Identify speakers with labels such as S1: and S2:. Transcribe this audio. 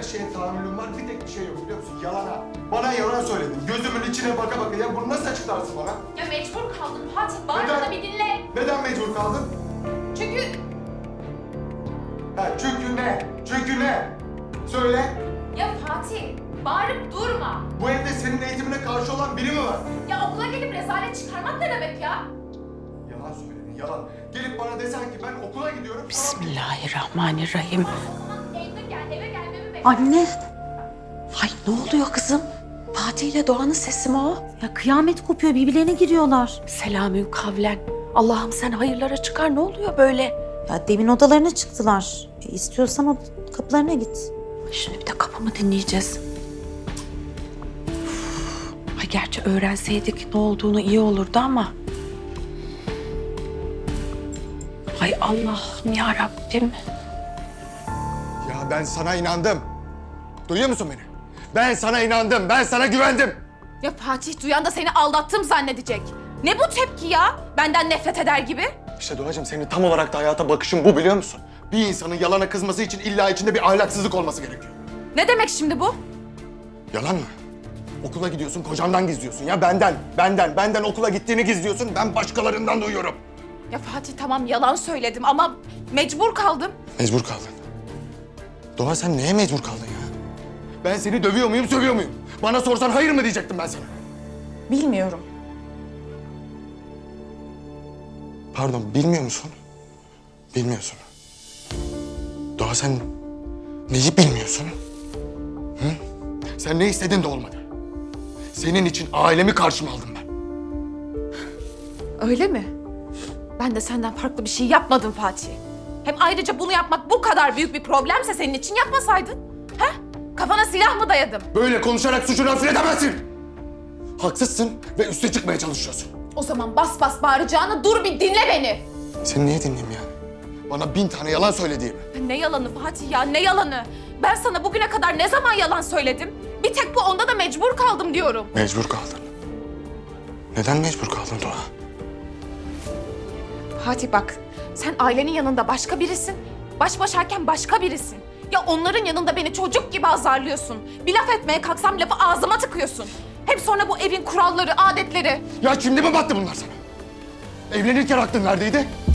S1: şeye tahammülüm var. Bir tek bir şey yok biliyor musun? Yalana. Bana yalan söyledin. Gözümün içine baka baka. Ya bunu nasıl açıklarsın bana?
S2: Ya mecbur kaldım Fatih. Bari
S1: Neden?
S2: bana bir dinle.
S1: Neden mecbur kaldın?
S2: Çünkü
S1: Çünkü ne? Çünkü ne? Söyle.
S2: ya Fatih bağırıp durma.
S1: Bu evde senin eğitimine karşı olan biri mi var?
S2: Ya okula gelip rezalet çıkarmak ne demek ya?
S1: Yalan söyledin, yalan. Gelip bana desen ki ben okula gidiyorum.
S3: Bismillahirrahmanirrahim.
S2: O zaman evde gel, eve gelmemi bekle.
S3: Anne. Ay ne oluyor kızım? Fatih ile Doğan'ın sesi mi o?
S4: Ya kıyamet kopuyor, birbirlerine giriyorlar.
S3: Selamün kavlen. Allah'ım sen hayırlara çıkar. Ne oluyor böyle?
S4: Ya demin odalarına çıktılar. İstiyorsan o kapılarına git.
S3: Şimdi bir de kapımı dinleyeceğiz. Ay gerçi öğrenseydik ne olduğunu iyi olurdu ama. Ay Allah'ım ya Rabbim.
S1: Ya ben sana inandım. Duyuyor musun beni? Ben sana inandım, ben sana güvendim.
S2: Ya Fatih duyan da seni aldattım zannedecek. Ne bu tepki ya? Benden nefret eder gibi.
S1: İşte Doğacığım senin tam olarak da hayata bakışın bu biliyor musun? Bir insanın yalana kızması için illa içinde bir ahlaksızlık olması gerekiyor.
S2: Ne demek şimdi bu?
S1: Yalan mı? Okula gidiyorsun, kocandan gizliyorsun ya benden okula gittiğini gizliyorsun, ben başkalarından duyuyorum.
S2: Ya Fatih tamam yalan söyledim ama mecbur kaldım.
S1: Mecbur kaldın. Doğa sen neye mecbur kaldın ya? Ben seni dövüyor muyum, sövüyor muyum? Bana sorsan hayır mı diyecektim ben sana?
S2: Bilmiyorum.
S1: Pardon, bilmiyor musun? Bilmiyorsun. Doğa sen neyi bilmiyorsun? Hı? Sen ne istedin de olmadı. Senin için ailemi karşıma aldım ben.
S2: Öyle mi? Ben de senden farklı bir şey yapmadım Fatih. Hem ayrıca bunu yapmak bu kadar büyük bir problemse senin için yapmasaydın. He? Kafana silah mı dayadım?
S1: Böyle konuşarak suçunu hafifletemezsin. Haksızsın ve üste çıkmaya çalışıyorsun.
S2: O zaman bas bas bağıracağını dur bir dinle beni.
S1: Seni niye dinleyeyim yani? Bana 1000 tane yalan söylediğimi.
S2: Ya ne yalanı Fatih ya ne yalanı? Ben sana bugüne kadar ne zaman yalan söyledim? Bir tek bu onda da mecbur kaldım diyorum.
S1: Mecbur kaldın. Neden mecbur kaldın Doğa?
S2: Fatih bak sen ailenin yanında başka birisin. Baş başayken başka birisin. Ya onların yanında beni çocuk gibi azarlıyorsun. Bir laf etmeye kalksam lafı ağzıma tıkıyorsun. Hep sonra bu evin kuralları, adetleri.
S1: Ya şimdi mi battı bunlar sana? Evlenirken aklın neredeydi?